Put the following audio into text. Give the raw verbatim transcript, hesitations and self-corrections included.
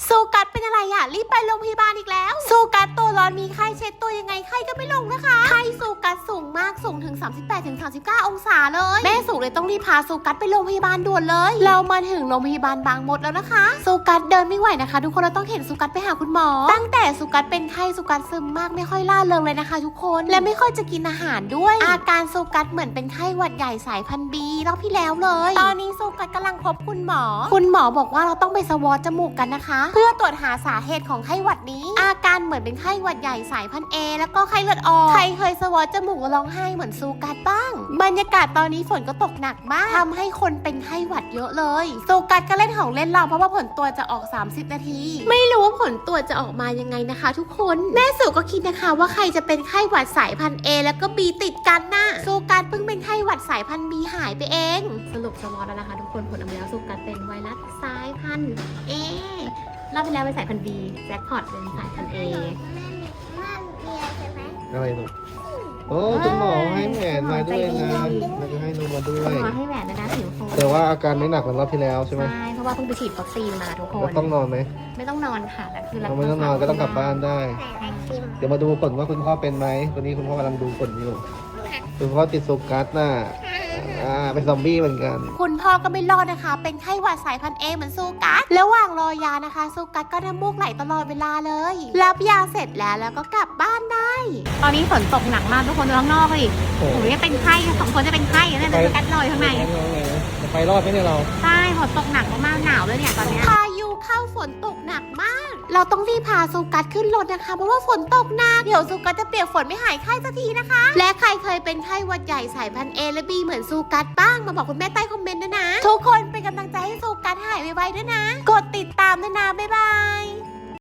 ซูกัสเป็นอะไรอ่ะรีบไปโรงพยาบาลอีกแล้วซูกัสตัวร้อนมีไข้เช็ดตัวยังไงไข้ก็ไม่ลงนะคะไข้ซูกัสสูงมากสูงถึง สามสิบแปดถึงสามสิบเก้า องศาเลยแม่สูงเลยต้องรีบพาซูกัสไปโรงพยาบาลด่วนเลยเรามาถึงโรงพยาบาลบางมดแล้วนะคะซูกัสเดินไม่ไหวนะคะทุกคนเราต้องเห็นซูกัสไปหาคุณหมอตั้งแต่ซูกัสเป็นไข้ซูกัสซึมมากไม่ค่อยล่าเริงเลยนะคะทุกคนและไม่ค่อยจะกินอาหารด้วยอาการซูกัสเหมือนเป็นไข้หวัดใหญ่สายพันธุ์บีรอบที่แล้วเลยตอนนี้ซูกัสกำลังพบคุณหมอคุณหมอบอกว่าเราต้องไปสวอตจมูกกันนะคะเพื่อตรวจหาสาเหตุของไข้หวัดนี้อาการเหมือนเป็นไข้หวัดใหญ่สายพันธุ์เอแล้วก็ไข้เลือดออกใครเคยสวอตจมูกร้องไห้เหมือนซูกัสบ้างบรรยากาศตอนนี้ฝนก็ตกหนักมากทำให้คนเป็นไข้หวัดเยอะเลยซูกัสก็เล่นของเล่นเราเพราะว่าผลตรวจจะออกสามสิบนาทีไม่รู้ว่าผลตรวจจะออกมายังไงนะคะทุกคนแม่สุก็คิดนะคะว่าใครจะเป็นไข้หวัดสายพันธุ์ A แล้วก็ B ติดกันน่ะซูกัสเพิ่งเป็นไข้หวัดสายพันธุ์ B หายไปเองสรุปสวอตแล้วนะคะทุกคนผลออกมาแล้วซูกัสเป็นไวรัสสายพันธุ์ A รอบที่แล้วเป็นสายพันธุ์ B แจ็คพอตเป็นสายพันธุ์ A อะไรลูกโอ้คุณหมอให้แหวนมาด้วยนะแล้วก็ให้นมมาด้วยคุณหมอให้แหวนนะนะผิวโคนแต่ว่าอาการไม่หนักเหมือนรอบที่แล้วใช่ไหมใช่เพราะว่าเพิ่งไปฉีดวัคซีนมาทุกคแล้วนต้องนอนไหมไม่ต้องนอนค่ะแต่คือเราไม่ต้องนอนก็ต้องกลับบ้านได้ เดี๋ยวมาดูผลว่าคุณพ่อเป็นไหมวันนี้คุณพ่อกำลังดูผลอยู่คุณพ่อติดซูกัสน่ะอ่าเป็นซอมบี้เหมือนกันคุณพ่อก็ไม่รอดนะคะเป็นไข้หวัดสายพันธุ์เอเหมือนซูกัสระหว่างรอยานะคะซูกัสก็น้ำมูกไหลตลอดเวลาเลยรับยาเสร็จแล้วแล้วก็กลับบ้านได้ตอนนี้ฝนตกหนักมากทุกคนดูข้างนอกดิโอ้หนูจะเป็นไข้สองคนจะเป็นไข้แล้วเนี่ยซูกัสลอยข้างในจะไปรอดไหมเนี่ยเราใช่ฝนตกหนักมากๆหนาวเลยเนี่ยตอนนี้พายุเข้าฝนตกหนักมาก เราต้องรีบพาซูกัสขึ้นรถนะคะเพราะว่าฝนตกหนักเดี๋ยวซูกัสจะเปียกฝนไม่หายไข้สักทีนะคะ และใครเคยเป็นไข้หวัดใหญ่สายพันธุ์ A และ B เหมือนซูกัสบ้างมาบอกคุณแม่ใต้คอมเมนต์ด้วยนะทุกคนเป็นกำลังใจให้ซูกัสหายไวๆด้วยนะกดติดตามด้วยนะบ๊ายบาย